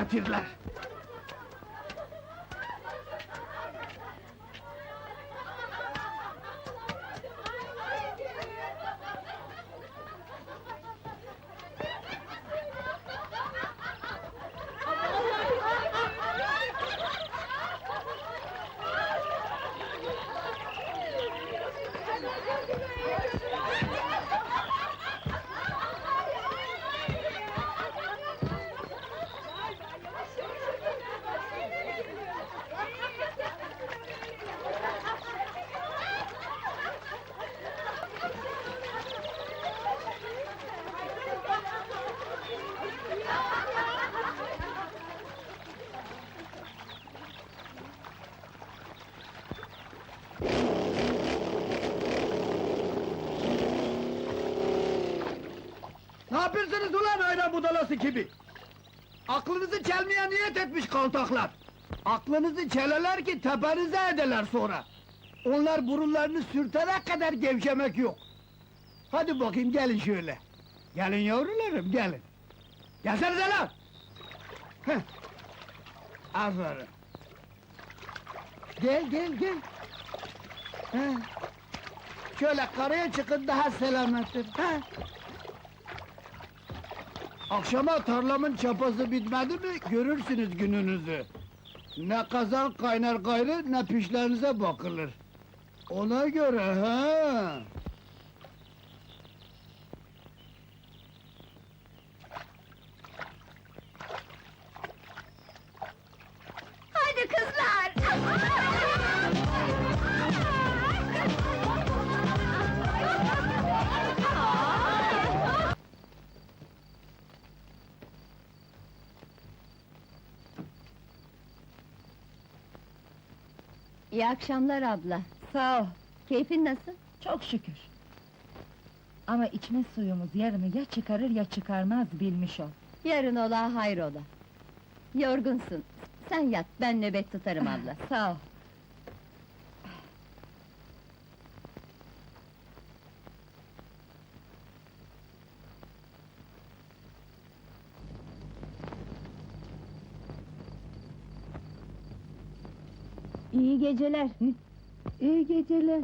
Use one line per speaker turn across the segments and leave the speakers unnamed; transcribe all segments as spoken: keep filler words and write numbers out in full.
getirler. Ne yapıyorsunuz ulan ayran budalası gibi? Aklınızı çelmeye niyet etmiş kaltaklar! Aklınızı çeleler ki tepenize ederler sonra! Onlar burunlarını sürtene kadar gevşemek yok! Hadi bakayım gelin şöyle! Gelin yavrularım gelin! Gelsenize lan! Heh! Aferin! Gel gel gel! Heh! Şöyle karaya çıkın daha selamettir! Heh! Akşama tarlamın çapası bitmedi mi, görürsünüz gününüzü! Ne kazan kaynar gayrı, ne pişlerinize bakılır! Ona göre ha!
Hadi kızlar! İyi akşamlar abla.
Sağ ol,
Keyfin nasıl?
çok şükür. Ama içme suyumuz yarını ya çıkarır ya çıkarmaz bilmiş ol.
Yarın ola hayrola. Yorgunsun. Sen yat, ben nöbet tutarım abla.
Sağ ol.
İyi geceler.
İyi geceler.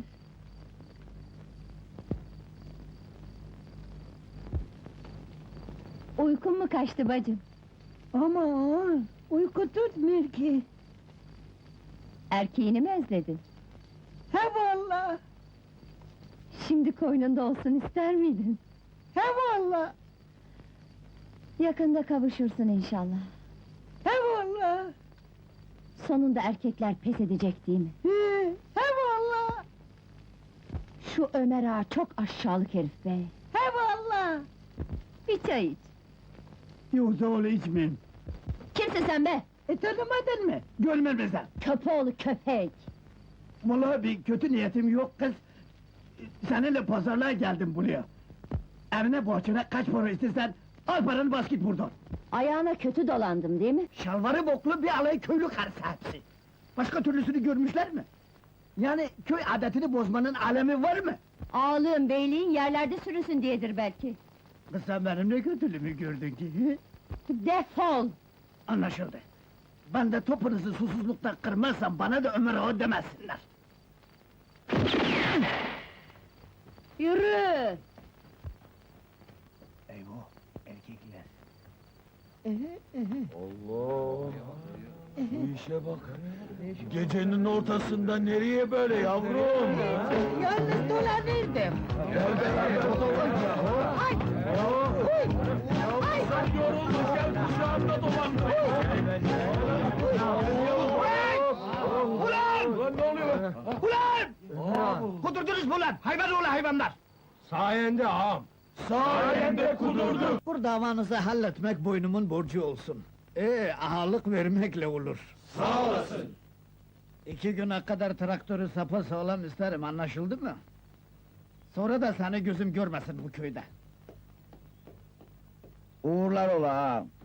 Uykun mu kaçtı bacım?
Aman, uyku tutmuyor ki.
Erkeğini mi özledin?
He valla,
Şimdi koynunda olsun ister miydin?
he valla,
Yakında kavuşursun inşallah.
he valla,
Sonunda erkekler pes edecek değil mi?
he, he valla,
Şu Ömer ağa çok aşağılık herif be!
he valla.
Bir çay iç!
Yoksa öyle içmeyin!
Kimsin sen be?
E tanımadın mı? Görmem mi sen?
Köpoğlu köpek!
Vallahi bir kötü niyetim yok kız! Seninle pazarlığa geldim buraya! Evine borcuna kaç para istersen, al paranı bas git buradan!
Ayağına kötü dolandım değil mi?
Şalvarı boklu bir alay köylü karısı hepsi! Başka türlüsünü görmüşler mi? Yani köy adetini bozmanın alemi var mı?
Ağalığın, beyliğin yerlerde sürünsün diyedir belki!
Kız sen benim ne kötülüğümü gördün ki? hı?
Defol!
Anlaşıldı! Ben de topunuzu susuzluktan kırmazsam bana da Ömer Ağa demesinler!
Yürü!
Eyvah, erkekler!
Allah! Bu işe bak! Gecenin ortasında nereye böyle yavrum?
Yalnız dolanırdım.
Gel beraber olalım ya!
Ay!
Ay! Sen yoruldun, gel kucağımda dolan!
Ulan!
Ulan ne oluyor?
Ulan! Kudurdunuz mu ulan? Hayvan oğlu hayvanlar!
Sayende ağam! Sayende kudurduk!
Bu davanızı halletmek boynumun borcu olsun. Ee, ahalık vermekle olur.
Sağ olasın!
İki güne kadar traktörü sapasağlam isterim, anlaşıldı mı? Sonra da seni gözüm görmesin bu köyde.
Uğurlar ola ağam.